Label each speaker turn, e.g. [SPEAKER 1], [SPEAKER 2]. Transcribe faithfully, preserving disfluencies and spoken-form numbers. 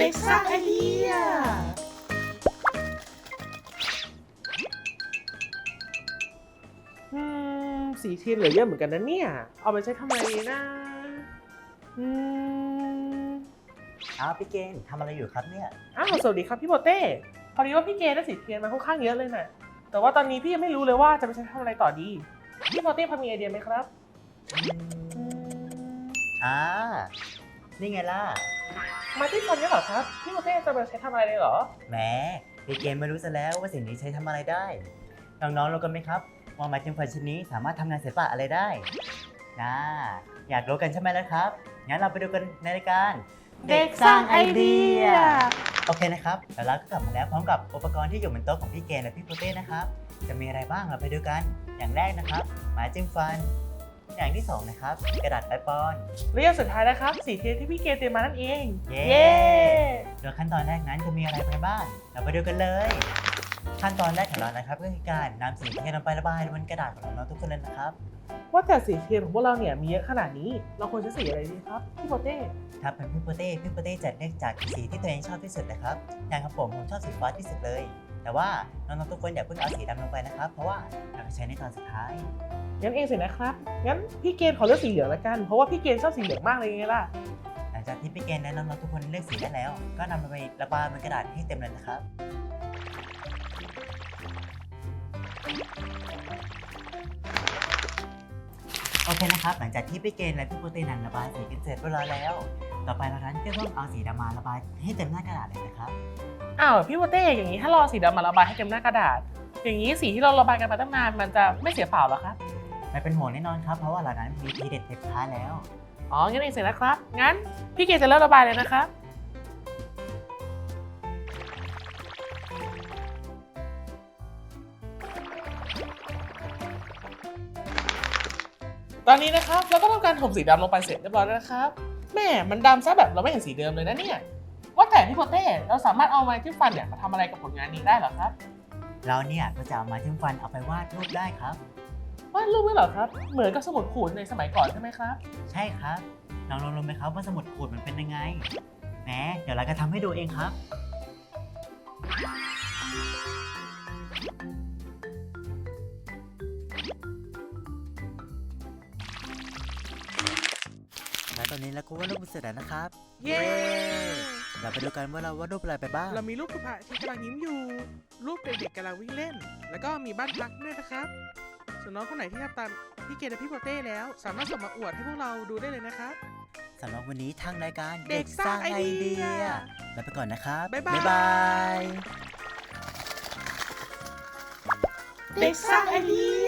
[SPEAKER 1] ด็กสร้างไอเดียอืมสีเทียนเหลือเยอะเหมือนกันนะเนี่ยเอาไปใช้ทำอะไรนะอืม
[SPEAKER 2] อ้าวพี่เกณฑ์ทำอะไรอยู่ครับเนี่ย
[SPEAKER 1] อ้าวสวัสดีครับพี่โปเต้พอดีว่าพี่เกได้สีเทียนมาค่อนข้างเยอะเลยนะแต่ว่าตอนนี้พี่ยังไม่รู้เลยว่าจะไปใช้ทำอะไรต่อดีพี่โปเต้พอมีไอเดียไหมครับ
[SPEAKER 2] อื
[SPEAKER 1] อื
[SPEAKER 2] ม
[SPEAKER 1] ม
[SPEAKER 2] อ่านี่ไงล่ะ
[SPEAKER 1] มาที่ฟันเนี่ยเหรอครับพี่โปเต้จะไปใช้ทำอะไรเลยเหรอ
[SPEAKER 2] แหมพี่เกณฑ์ไม่รู้ซะแล้วว่าสิ่งนี้ใช้ทำอะไรได้น้องๆรู้กันไหมครับว่าไม้จิ้มฟันชิ้นนี้สามารถทำงานศิลปะอะไรได้นะอยากรู้กันใช่ไหมล่ะครับงั้นเราไปดูกันในรายการ
[SPEAKER 1] เด็กสร้างไอเดีย
[SPEAKER 2] โอเคนะครับแล้วเราก็กลับมาแล้วพร้อมกับอุปกรณ์ที่อยู่บนโต๊ะของพี่เกณฑ์และพี่โปเต้นะครับจะมีอะไรบ้างเราไปดูกันอย่างแรกนะครับไม้จิ้มฟันอย่างที่สองนะครับกระดาษไอปอน
[SPEAKER 1] และอย่างสุดท้ายนะครับสีเทียนที่พี่เกเตรียมมานั่นเอง
[SPEAKER 2] เย้
[SPEAKER 1] เย้
[SPEAKER 2] โดยขั้นตอนแรกนั้นจะมีอะไรไปบ้าง เราไปดูกันเลย ขั้นตอนแรกของเรานะครับก็คือการนำสีเทียนลงไประบายบนกระดาษของน้องๆทุกคนเลยนะครับ
[SPEAKER 1] ว่าแต่สีเทียนของพวกเราเนี่ยมีเยอะขนาดนี้เราควรใช้สีอะไรดีครับพี่โปเต้
[SPEAKER 2] ถ้าเป็นพี่โปเต้พี่โปเต้จะเลือกจากสีที่ตัวเองชอบที่สุดนะครับอย่างครับผมผมชอบสีฟ้าที่สุดเลย แต่ว่าน้องๆทุกคนอย่าเพิ่งเอาสีดำลงไปนะครับ เพราะว่าเราจะใช้ในตอนสุดท้าย
[SPEAKER 1] งั้นเองสินะครับ งั้นพี่เกณฑ์ขอเลือกสีเหลืองละกัน เพราะว่าพี่เกณฑ์ชอบสีเหลืองมากเลยไงล่ะ
[SPEAKER 2] หลังจากที่พี่เกณฑ์และน้องๆทุกคนเลือกสีได้แล้ว ก็นำมันไประบายบนกระดาษให้เต็มเลยนะครับ โอเคนะครับ หลังจากที่พี่เกณฑ์และพี่โปเต้นันระบายสีกันเสร็จเรียบร้อยแล้ว ต่อไปเรานั้นก็ต้องเอาสีดำมาระบายให้เต็มหน้ากระดาษเลยนะครับ
[SPEAKER 1] อ้าวพี่โปเต้อย่างนี้ถ้าเราเอาสีดำมาระบายให้เต็มหน้ากระดาษ อย่างนี้สีที่เราระบายกันมาตั้งนานมันจะไม่เสียเปล่าเหรอครับ
[SPEAKER 2] ไม่เป็นห่วงแน่นอนครับ เพราะว่าเรานั้นมีทีเด็ดเด็ดท้ายแล้ว
[SPEAKER 1] อ๋อ งั้นเองเสร็จแล้วครับ งั้นพี่เกณฑ์จะเริ่มระบายเลยนะครับ ตอนนี้นะครับเราก็ทำการถมสีดำลงไปเสร็จเรียบร้อยแล้วนะครับแม่มันดำซะแบบเราไม่เห็นสีเดิมเลยนะเนี่ยว่าแต่พี่โปเต้เราสามารถเอาไม้จิ้มฟันเนี่ยมาทำอะไรกับผลงานนี้ได้เหรอครับ
[SPEAKER 2] เราเนี่ยก็จะเอามาจิ้มฟันเอาไปวาดรูปได้ครับ
[SPEAKER 1] วาดรูปด้วยเหรอครับ เหมือนกับสมุดขูดในสมัยก่อนใช่ไหมครับ
[SPEAKER 2] ใช่ครับน้องลองรู้ไหมครับว่าสมุดขูดมันเป็นยังไงแหมเดี๋ยวเราจะทำให้ดูเองครับ และตอนนี้เราก็วาดรูปเสร็จแล้วนะครับ
[SPEAKER 1] เย้
[SPEAKER 2] เราไปดูกันว่าเราวาดรูปอะไรไปบ้าง
[SPEAKER 1] เรามีรูปพระที่กำลังยิ้มอยู่ รูปเด็กๆกำลังวิ่งเล่น แล้วก็มีบ้านพักด้วยนะครับ ส่วนน้องคนไหนที่ทำตามพี่เกดและพี่โปเต้แล้ว สามารถส่งมาอวดให้พวกเราดูได้เลยนะครับ
[SPEAKER 2] สำหรับวันนี้ทางรายการ
[SPEAKER 1] เด็กสร้างไอเดีย
[SPEAKER 2] ลาไปก่อนนะครับ
[SPEAKER 1] บ๊ายบาย
[SPEAKER 2] บาย
[SPEAKER 1] เด็กสร้างไอเดีย